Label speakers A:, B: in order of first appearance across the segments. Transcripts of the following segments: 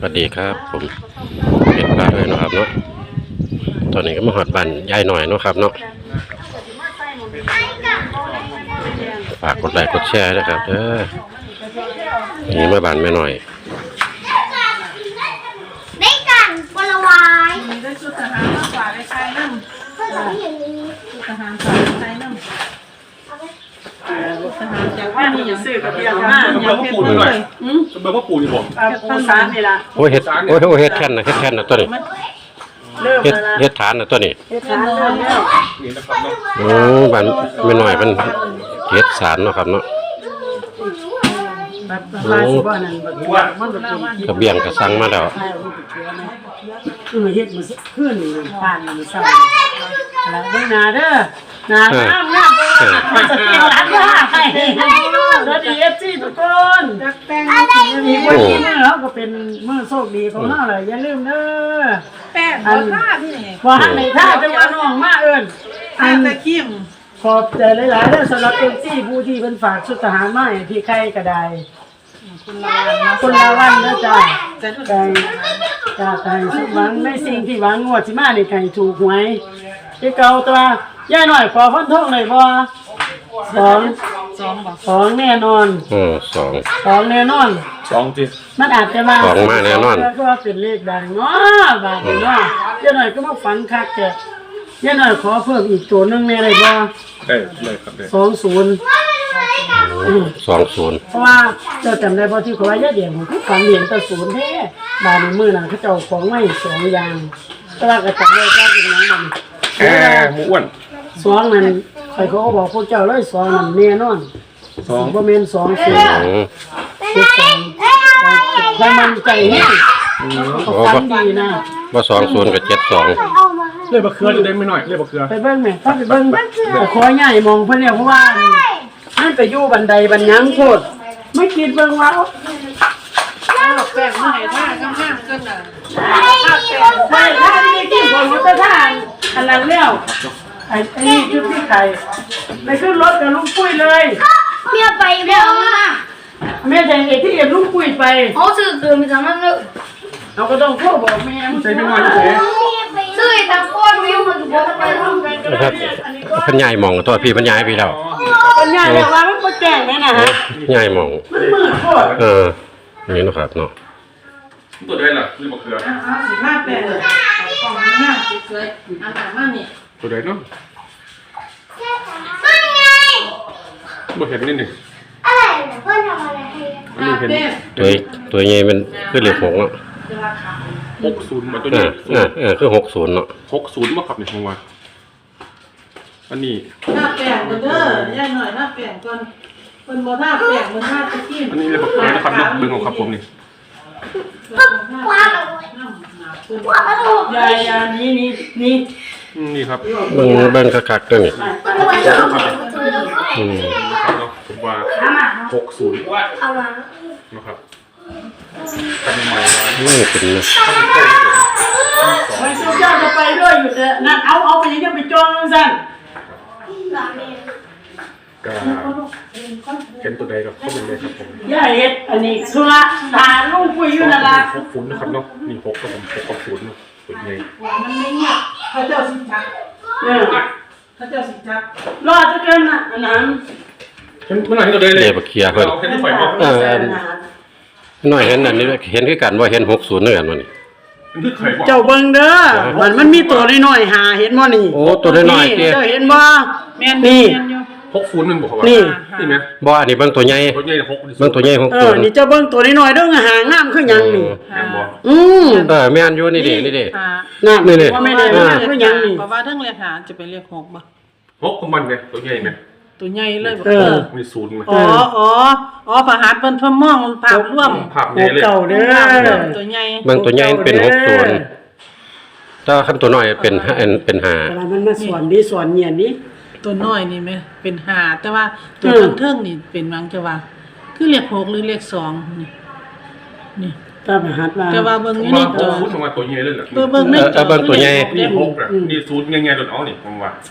A: สวัสดีครับผมเห็ดปลาด้วยนะครับเนาะตอนนี้ก็มาหอดบันยายหน่อยเนาะครับเนาะฝากกดไลค์กดแชร์นะครับนี่มาบันแม่หน่อย
B: ได้กันบลวาย
C: ได้ชุดทหารมากกว่าได้ใช้น้ำชุดทหารกว่าได้ใช้น้ำทหารจากว่านี่อย่างซื้อกับเบียร์มาอย่างเฮ็ดเลย
D: เบอร์พ่อปู่นี่ผม
C: ปูสารนี่ล่ะ
A: โอ้เห็ดเห็ดแค่นนะตัวนี้เห็ดฐานนะตัวนี้
C: เฮ็ดทานแล้ว
D: นี่นะครับเนาะ
A: โอ้บันแม่หน่อยมันเห็ดสารเนาะครับเนาะกระเบียงกระสังมาแล้ว
C: เฮ็ดมาขึ้นผ่านมาเศร้าแล้วเบิ่งหน้าเด้อหน้างามมันจะเป็นร้านค้าให้สวัสดี FC ทุกคนมีวันนี้เราก็เป็นมื้อโชคดีของเราเลยอย่าลืมเด้อ
B: แป้งบ่ท่าพี่นี่
C: ว่าในท่าจะว่าน้องมาเอิ้น
B: อันตะคิม
C: ขอบใจหลายๆเด้อสำหรับ FC ผู้ที่เพิ่นฝากชุดทหารมาให้พี่ไข่ก็ได้คุณละวันเด้อจ้าไก่สุขหวังในสิ่งที่หวังงวดสิมานี่ไก่ถูกหวยที่เก่าตัวย่าหน่อยขอฟันทงหน่อยบ่2แน่นอน2แน่นอน
D: 2จิ
C: มันอาจจะมา
A: 2มาแน่นอน
C: ก็เป็นเลขดังเนาะบาดนี้เนาะย่าหน่อยก็มาฝันคักแกย่าหน่อยขอเพิ่มอีกตัวนึงแน่ได้บ่
D: ได้เลยครับได้
A: 20
C: เพราะว่าเจ้าจำได้บ่ที่เขาว่าย่าเดียงผมคือฝันเหรียญตะศูนย์แท้บาดนี้มื้อนั้นเขาเจ้าของไว้2อย่างแต่ว่าก็จำได้ว่าเป็นหยังมัน
D: หมูอ้วน
C: 2นั่นใครเขาก็บอกพวกเจ้าเลย2นั่นแน่นอน2บ่แม่น2 0ใครมันใจแห้งฝันดีนะ
A: บ่20กับ72
D: เลยบะเขือจะได้ไม่น้อยเลยบะเขือ
C: ไปเบิ่งแม่ไปเบิ่งขอใหญ่มองเพิ่นเนี่ยเพราะว่ามันไปอยู่บันไดบันยังโคตรไม่คิดเบิ่งว่า
B: แป้งมาให้ท่าข้างๆกันน่ะ
C: ท่าที่กินของมุตท่าอันนั้นแล้วไอ้นี่ชุดที่ไข่ไปขึ้นรถกับลุงปุ้ยเลย
B: เมียไปแล้วนะ
C: แม่จะเห็นที่เอ็มลุงปุ้ยไป
B: เขาซื้อเกินไปทำนั่นเลย
C: เราก็ต้องโทษบอกแม่
D: ใส่ไม่น้อยเลย
B: ซื้อทางก้อนวิวมันถูกไปทำกัน
A: นะครับพันยายมองตัวพี่พันยายพี่แล้ว
C: พันยายแบบว่ามันก็แจ้งแม่นะฮะ
A: ยายมอง
C: มันมืดโคตร
A: นี่นะครับเนาะ
D: ตัวได้ล่ะเลยบะเขือ
C: 15 8เลยกล่องนี้สวยๆอันนั้นนี่
D: ตัวได้เนาะบะเขือนิดนึง
B: อะไรเพื่อนทำอะไรให้
A: ตัวใหญ่มันคือเลข6เนาะ
D: 60เหมือนตัวนี้
A: คือ60เนาะ
D: 60มาขับในช่วงวันอันนี้
C: หน้าแป้งเด้อย่าหน่อยหน้าแป้งก่อนเพิ่นบ่ท่าแป้งมันท่าตะกี้
D: อันนี้เลยบะเขือนะครับเนาะเบิ่งของครับผมนี่
C: ยานี่
D: ครับ
A: เบิ่งคักๆตัวนี้
D: ผมว่า60นะครับเป็นใหม่
A: เป็น
C: ไม่ชุดเจ้าจะไปด้วยอยู่แต่นั่นเอาไปยังไปจองสั่น
D: ก็เห็นตัวใดกับข้อมูลเลยครับผม
C: ย่าเฮ็ดอันนี้สุระทาลุงปุ้ยอยู่นั่นล่ะ
D: 60นะครับเนาะนี่6กับผม6กับ0เนาะเป็นไง
C: มันไม่เงียบเขาเจ้าสิจักเขาเจ้าสิจักรอจะเกินน่ะอันนั้น
D: เห็นตัวไหนตัวใดเลย
A: บักเขียเพิ่น
D: เห็นที่ไฟบ่
A: น้อยเห็นอันนี้เห็นคือกันว่าเห็น60เหมือนกันว่านี่
C: เจ้าเบิ่งเด้อมันมีตัวน้อยๆหาเห็นบ่นี่
A: โอ้ตัวน้อยๆ
C: เจ้าเห็นบ่แม่นนี่
D: 60มันบ่ครับ
C: นี่
D: มั้ย
A: บ่อันนี้เบิ่งตัวใหญ่
D: 6
A: เบิ่งตัวใหญ่
C: 60นี่เจ้าเบิ่งตัวน้อยๆเด้อหางามคือหยังนี่
D: แม่นบ่
A: แม่นอยู่นี่ดิ
C: นี่ว่าไม่ได้คือหยังนี่
E: เพราะว่าทั้งเลขหาจะเป็นเลข6บ่
D: 6ของมันเนี่ยตัวใหญ่มั้ย
E: ตัวใหญ่เลย
D: มี0มั้ย
E: อ๋อประหารเพิ่นเพิ่มมองภาพรวม
D: ภาพใหญ่เลย
C: เก่าเด้อ
E: ตัวใหญ่
A: เบิ่งตัวใหญ่เป็น60ถ้าคันตัวน้อยเป็น5
C: แต่มันมาสอนดิสอนเหียนดิ
E: ตัวน้อยนี่แม่เป็น5แต่ว่าตัวเทิงๆนี่เป็นวังจะว่าคือเลข6หรือเลข2นี่
C: ตาประหัดว่า
E: แต่ว่าเบิ่งอยู่ในจอ
D: ผมว่าตัวใหญ่เลยล่ะ
E: เบิ่งในจอ
A: เบิ่งตัวใหญ่
D: นี่6อ่ะนี่0ใหญ่ๆโดนเอานี่ผมว่า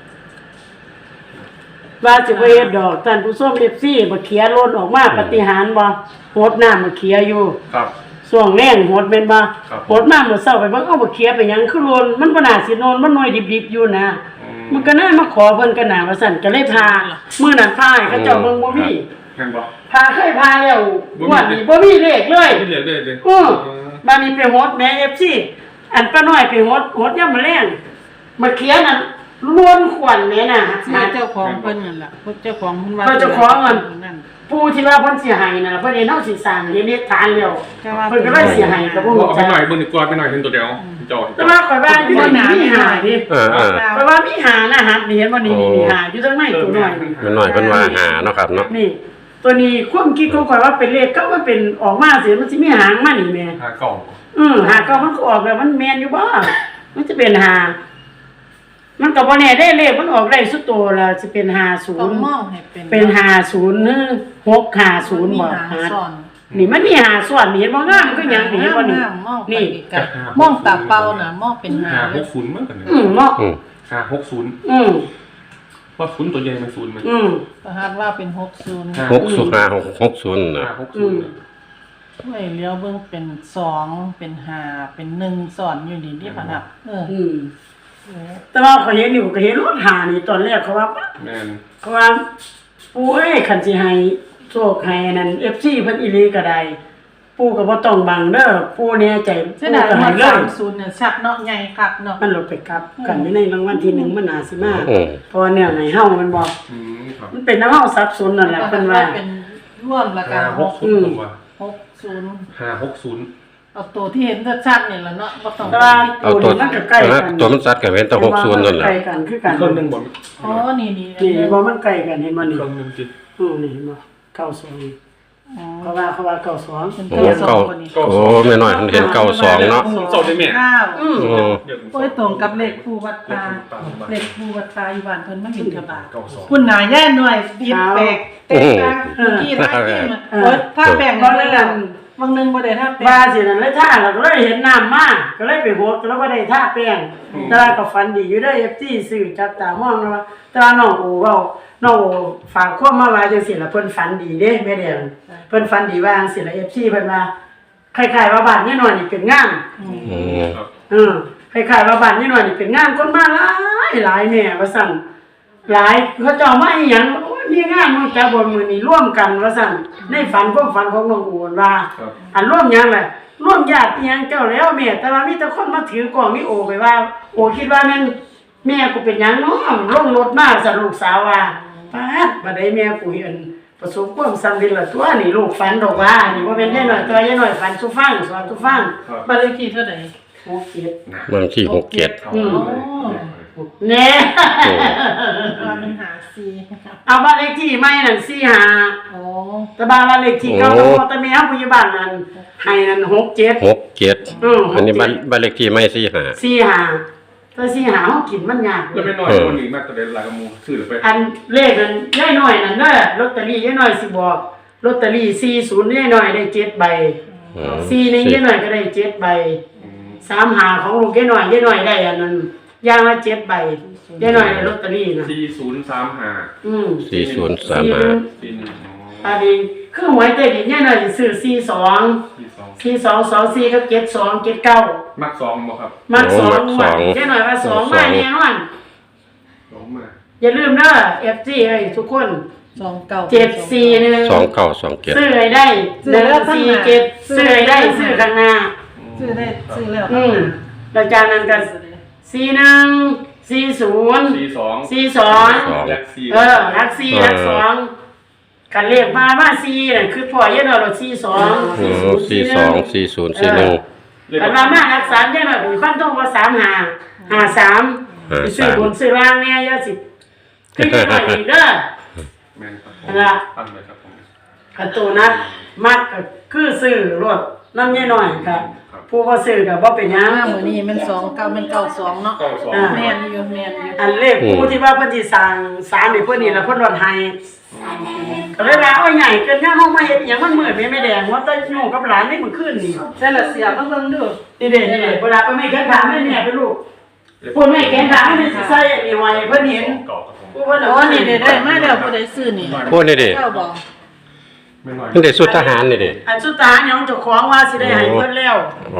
C: สิบ่เฮ็ดดอกท่านผู้ชม FC บ่เขียล้นออกมาปฏิหารย์บ่โหดน้ำมาเขียอยู่
D: ครับ
C: ช่วงแรงหดแม่นบ่หดมามื้อเช้าไปเบิ่งเอาบ่เขียไปหยังคือโลนมันบ่น่าสิโนนมันหน่อยดิบๆอยู่นะมันก็น่ามาขอเพิ่นกันน่ะว่าซั่นก็เลยพามื้อนั้นพาให้เขาเจ้าเบิ่งบ่มี
D: แม่นบ่
C: พาเคยพาแล้วงวดนี้บ่มีเลขเลย
D: ไม่เหลือเลย
C: บ้านนี้ไปหดแม่ FC อันป้าน้อยไปหดยามมื้อแลงมาเขียนนั่นล้วนขวัญแม่น่ะ
E: หาเจ้าของเพิ่นนั่นล่ะเจ้าของเพิ่นว่า
C: เจ้าของมัน
E: นั่น
C: ผู้ที่ว่าเพิ่นสิให้น่ะเพิ่นเฮ็ดเฮาสิสร้างเฮ็ดฐานแล้ว
E: แต่ว่า
C: เพิ่นก็เลยสิให้ก็บ่
D: เอา
C: รู้
D: ไป
C: จัก
D: หน่อยเบิ่งดีกว่าไปหน่อยเห็นตัวเดียวจอ
C: แต่ว่าข่อยว่าอยู่ในนี้มีหาดิ
A: เออ
C: ข่อยว่ามีหานะฮะนี่เห็นบ่นี่หาอยู่ทางในตัวน้อย
A: มันหน่อยเพิ่นว่าหาเนาะครับเนาะ
C: นี่ ตัวนี้ความคิดของข่อยว่าเป็นเลขก็มันเป็นออกมาสิมันสิมีหางมานี่แม่
D: หาเก่า
C: หาเก็มันก็ออกแล้วมันแม่นอยู่บ่มันจะเป็นหามันก็บ่แน่ได้เลขมันออกได้สุดโตแล้วสิเป็น
E: ต้องมอง
C: 50
E: ให้เป็น
C: เป็น50หรือ650บ่
E: หาซ่อน
C: นี่มันมีหาส่วนนี่เห็นบ่งามก็หยังนี่เห็นบ่นี่
E: มองไป
C: นี่
E: ไกลมองตาเปล่าน่ะมองเป็นหา
D: หา
E: เลย
D: 60มั้งกัน
C: เนาะ
D: หา60
C: อืม
D: ว่าศูนย์ตัวใหญ่มันศูนย์มัน
E: ประหารว่าเป็น60
A: 60นะ
D: หา60
E: ห้วยเลี้ยวเบิ่งเป็น2เป็น5เป็น1ซ่อนอยู่นี่ที่พนัก
C: แต่ว่าเขาเห็นอยู่ก็เห็นรถหานี่ตอนแรกเขาว่า
D: แม่น
C: เขาว่าปู่เอ้ยคันสิให้โชคให้นั่น FC เพิ่นอีหลีก็ได้ปู่ก็บ่ต้องบังเด้อปู่แน่ใจ
E: เสียดาย
C: ก็
E: ว่า
C: ให้เลย
E: 30เนี่ยชักเนาะใหญ่คักเนาะ
C: มันลดไปกลับกันอยู่ในรางวัลที่1มันน่าสิมา
A: อืม
C: เพราะว่าแนวไหนเฮามันบ่
D: ครับ
C: มันเป็นน้ำเฮาสับสนนั่นแหละเพิ่นว่า
E: เป็นร่วมละกัน
D: หา60ผมว่า
E: 60
D: หา60
E: เอาตัวที่เห็นชัดๆนี่ล่ะเนาะบ่ต้อง
C: แต่ว่า
A: เอา
C: ตัว
A: ตัว
C: นี้มันก็ใกล้กัน
A: ตัวมันซัดกับเว้นแต่60นั่นแหละ
C: ใกล้กันคือกัน
D: เครื่องนึงบ่
E: อ๋อนี่
C: นี่บ่มันใกล้กันเห็นบ่นี่
D: เครื่องนึงจิ
C: นี่เห็นบ่92
E: อ๋อ
C: เขาว่า92
E: เป็น
A: โอ้
E: เก้าสองคนนี้
A: โอ้แม่น้อยเพิ่นเห็น92เนาะ
D: เจ้าได้แม่
E: เก้า
A: โอ้
E: โอ้ยตรงกับเลขผู้วัดตาเลขผู้วัดตาอยู่บ้านเพิ่นมาเห็นกระบะ
D: 92
E: คุณหนาแย่หน่อยปิดแปลกเตะกลางที่ท่าที่มาโอ้ยท่าแบ่ง
C: บ่
E: เล
C: ได้
E: ยบางนึงบ่ได้ท่าแปล
C: ว่าง สินั่นเลยท่าเราก็เลยเห็นน้ำมาก็เลยไปโหดแล้วบ่ได้ท่าแป้งแต่ว่าก็ฝันดีอยู่เด้อ FT ซื้อจับตามองแล้วว่าแต่ว่าน้องโอเว้าน้องโอฝากข้อมาว่าจังซี่ล่ะเพิ่นฝันดีเด้แม่แดงเพิ่นฝันดีว่าจังซี่ล่ะ FT เพิ่นว่าคล้ายๆว่าบ้านนี่น้อยนี่เป็นงาน
D: ครับ
C: คล้ายๆว่าบ้านนี่น้อยนี่เป็นงานคนมาหลายแม่ว่าซั่นหลายเขาเจ้ามาอีหยังโอ้ยมีงานมื้อแต่บ่มื้อนี้ร่วมกันว่าซั่นในฝันความฝันของน้องโอว่า
D: ครับ
C: อันร่วมหยังแหละร่วมญาติอิหยังเจ้าแล้วแม่แต่ว่ามีแต่คนมาถือกล่องมีโอไปว่าโอคิดว่าแม่นแม่กูเป็นหยังเนาะลงรถมาสลูกสาวว่าป๊าดบัดใดแม่กูเห็นประสบความสำเร็จละตัวนี่ลูกฝันดอกว่านี่บ่แม่นยายน้อยตัวยายน้อยฝันสุฟังสอนสุฟัง
E: บ้านเลขที่เท่าใด
C: 67
A: บางที่67
E: อ๋อ
C: แน่
E: ว่ามันหา4
C: เอาบ้านเลขที่ใหม่นั่น45
E: อ๋อ
C: แต่บ้านเลขที่เก่าแต่แม่เฮาผู้อยู่บ้านนั้นให้นั่น67
A: 67อันนี้บ้านเลขที่ไม่45
C: 45แต่45เฮากินมันยาก
D: แล้วไม่น้อยคนนี้มากตัวเดียวหลายกระมูซื้อไป
C: อันเลขนั้นยายน้อยนั่นเด้อลอตเตอรี่ยายน้อยสิบอกลอตเตอรี่40ยายน้อยได้7ใบ4นี่ยายน้อยก็ได้7ใบ35ของลูกยายน้อยได้อันนั้นอย่างละ7ใบยายน้อยได้ลอตเตอรี่น่ะ
D: 4035
A: 4035
C: อันนี้คือหวยใต้ดินยายน้อยสิซื้อ4224กับ72 79
D: มัก2บ่ครับ
C: มัก2ยายน้อยว่า2มาแน่นอน
D: 2มา
C: อย่าลืมเด้อ FG เอ้ยทุกคน
E: 29
C: 741
A: 2927
C: ซื้อให้ได้147ซื้อให้ได้ซื้อข้างหน้า
E: ซื้อได้ซื้อแล้ว
C: แล้วจากนั้นก็41 40 42
D: และ4
C: รัก4รัก2กันเลขมาว่า4นั่นคือพ่อยายน้อยรถ42
A: 424041
C: กันมารัก3ยายน้อยเป็นฟันตรงว่า35 53ซื้อบนซื้อล่างแน่อย่าสิคือยายน้อยอีกเด้อ
D: แม่นครับ
C: นั่นล่ะ
D: ตั้งเลยครับผม
C: กันตัวนัดมักก็คือซื้อรถน้ำยายน้อยครับผู้บ่ซื้อก็บ่เป็นหยัง
E: มื้อนี้มัน29มัน92เนาะ
D: 92
E: แม่นอยู่
C: อันเลขผู้ที่ว่าเพิ่นสิสร้างศาลนี่เพิ่นนี่ล่ะเพิ่นรถให้ก็เลยว่าโอ้ยใหญ่เกินงานเฮามาเฮ็ดหยังมันมืดไม่แดงว่าแต่อยู่กับหลานนี่มื้อคืนนี่
E: แต่ละเสียมาเบิ่งดู
C: นี่เด้นี่เวลาไปไม่แกนถามให้แม่ไปลูกพูดไม่แกนถามให้สิใส่อันนี้ไว้เพิ่นเห็น
D: เก่าครับผม
C: ผู้เพิ่น
E: โอ้นี่ได้มาแล้วผู้ใดซื้อนี่
A: พวกนี้ดิ
E: เจ้าบ่
D: ไม่น้อย
A: มันได้สุดทหารนี่เด้
C: อันสุดท้ายยังเจ้าของว่าสิได้ให้เพิ่นแล้ว
A: โอ้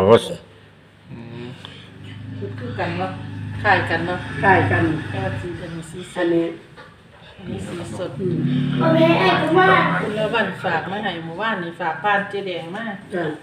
E: คือกันเนาะคล้ายกันเนาะ
C: ใกล้กัน
E: แค่ว่าสีอันนี้สีส
C: อั
E: ด
C: นนี้
E: อันนี้สีสดคุณละวันฝากมาให้หมู่บ้านนี่ฝากบ้านเจ๊แดงมา
C: จ้ะ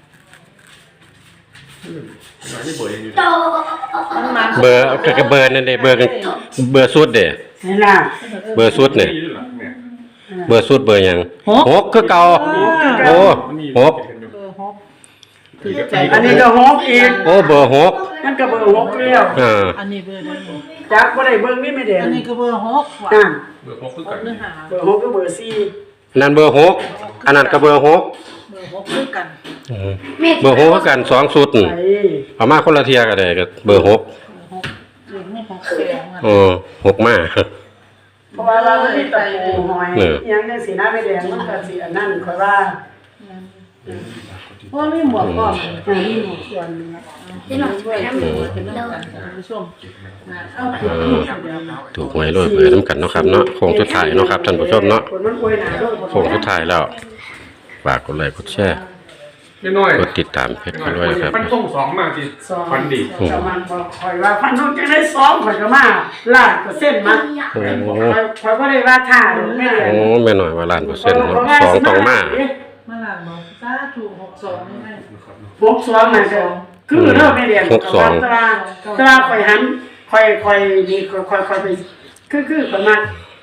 D: ไม่น้อยนี่เบอร์ยังอยู่
E: มันมัน
A: เบอร์ก็เบอร์นั่นเด้เบอร์กันเบอร์สุดเด้
C: นี่ล่ะ
A: เบอร์สุดนี่
D: นี่ด้วยเหรอเนี่ย
A: เบอร์สุดเบอร์หยังหกคือเก่าโอ้หก
E: เบอร์6ถือใจ
C: อันนี้ก็ฮกอีก
A: โอ้เบอร์หก
C: มันก็เบอร์ฮกแล้ว
E: อันนี้เบอร์ใด
C: จักบ่ได้เบิ่งนี่ไม่แดง
E: อันนี้ก็เบอร์6ว่ะ
C: นั่น
D: เบอร์พกคือ
E: 6
D: กัน
E: เนื้อหา
C: เบอร์ฮกก็เบอร์4
A: นั่นเบอร์หกอันนั้นก็เบอร์หก
E: เบอร์6คือกัน
A: เบอร์หกคือกัน2สุด
C: ไป
A: เอามาคนละเที่ยก็ได้ก็เบอร์หก
E: เรื่องไม่6แปลงอ่ะ
A: หกมา
C: เพราะว่าเราไม่ได้ตะปูหอยอิหยังจังสีหน้าไม่แดงมันก็สิอันนั้นค่อยว่า
E: เพราะว่ามีหมวกก่อน
C: มีหมวกส่วนหนึงนะ
E: ที่หน่อยช่วยถือเป็นเรื่องกันท่านผู้ชมเอาถูกเดี๋ยว
A: ถูกหวยรวยเบอร์น้ำกันเนาะครับเนาะโค้งสุดท้ายเนาะครับท่านผู้ชมเนาะ
C: คนมันอวยหนาด้วย
A: โค้งสุดท้ายแล้วฝากกดไลค์กดแชร์
D: ไม่น้อย
A: กดติดตามเพจเขาด้วยนะครับ
D: มันส่งสองมาที
C: สอง
D: ฟันดี
C: จะมันบอกคอยว่าพันต้องจะได้ซ้อมข่อยก็มาลาดก็เส้นมา
A: โอ้
C: ข่อยก็ได้ว่าท่าหรือไม่ได้
A: โอ้แม่หน่อยว่าล้านเปอร์เซ็นต์เนาะสองตองมา
E: มาหลังบอกซาถูก62นี่ไหม
C: พวกซ้อมมาก็คือเริ่มไม่เรียนตราข่อยหันข่อยนี่ข่อยไปคือประมาณ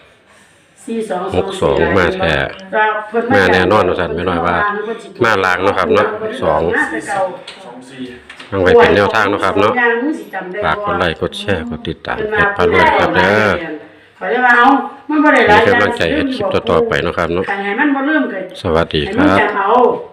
A: 62มาแท้มาแน่นอนว่าซั่นแม่น้อยว่ามาลางเนาะครับเนาะ2 ทางไว้เป็นแนวทางเนาะครับเนาะฝากกดไลค์กดแชร์กดติดตามเพจพารวยครับเด้อ
C: ขอได้ว่าเอามันบ่ได้หลาย
A: มีกำลังใจเฮ็ดคลิปต่อๆไปเนาะครับเนาะ
C: ให้มันบ่ลืมเกิด
A: สวัสดี
C: ให้
A: ค
C: มัน
A: รับ
C: จำเอา